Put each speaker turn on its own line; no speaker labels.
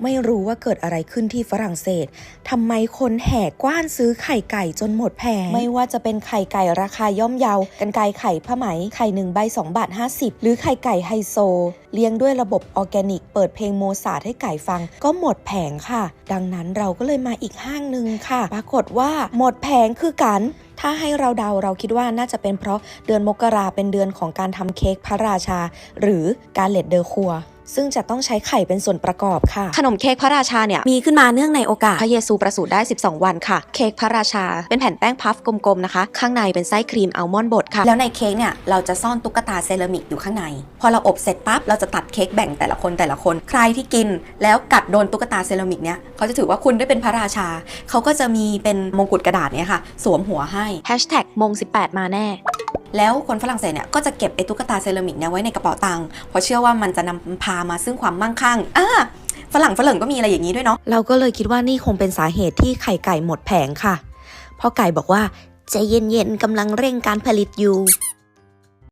ไม่รู้ว่าเกิดอะไรขึ้นที่ฝรั่งเศสทำไมคนแห่กว้านซื้อไข่ไก่จนหมดแผงไม่ว่าจะเป็นไข่ไก่ราคาย่อมเยากรรไกรไข่ผ้าไหมไข่1 ใบ 2 บาท 50หรือไข่ไก่ไฮโซเลี้ยงด้วยระบบออร์แกนิกเปิดเพลงโมซาร์ทให้ไก่ฟังก็หมดแผงค่ะดังนั้นเราก็เลยมาอีกห้างนึงค่ะปรากฏว่าหมดแผงคือกันถ้าให้เราเดาเราคิดว่าน่าจะเป็นเพราะเดือนมกราเป็นเดือนของการทำเค้กพระราชาหรือการเลดเดอครัวซึ่งจะต้องใช้ไข่เป็นส่วนประกอบค่ะขนมเค้กพระราชาเนี่ยมีขึ้นมาเนื่องในโอกาสพระเยซูประสูติได้12วันค่ะเค้กพระราชาเป็นแผ่นแป้งพัฟกลมๆนะคะข้างในเป็นไส้ครีมอัลมอนด์บดค่ะแล้วในเค้กเนี่ยเราจะซ่อนตุ๊กตาเซรามิกอยู่ข้างในพอเราอบเสร็จปั๊บเราจะตัดเค้กแบ่งแต่ละคนใครที่กินแล้วกัดโดนตุ๊กตาเซรามิกเนี่ยเขาจะถือว่าคุณได้เป็นพระราชาเขาก็จะมีเป็นมงกุฎกระดาษเนี่ยค่ะสวมหัวให้มง18มาแน่แล้วคนฝรั่งเศสเนี่ยก็จะเก็บไอ้ตุ๊กตาเซรามิกเนี่ยไว้ในกระเป๋าตังค์เพราะเชื่อว่ามันจะนำพามาซึ่งความมั่งคั่งฝรั่งก็มีอะไรอย่างนี้ด้วยเนาะเราก็เลยคิดว่านี่คงเป็นสาเหตุที่ไข่ไก่หมดแผงค่ะเพราะไก่บอกว่าใจเย็นๆกำลังเร่งการผลิตอยู่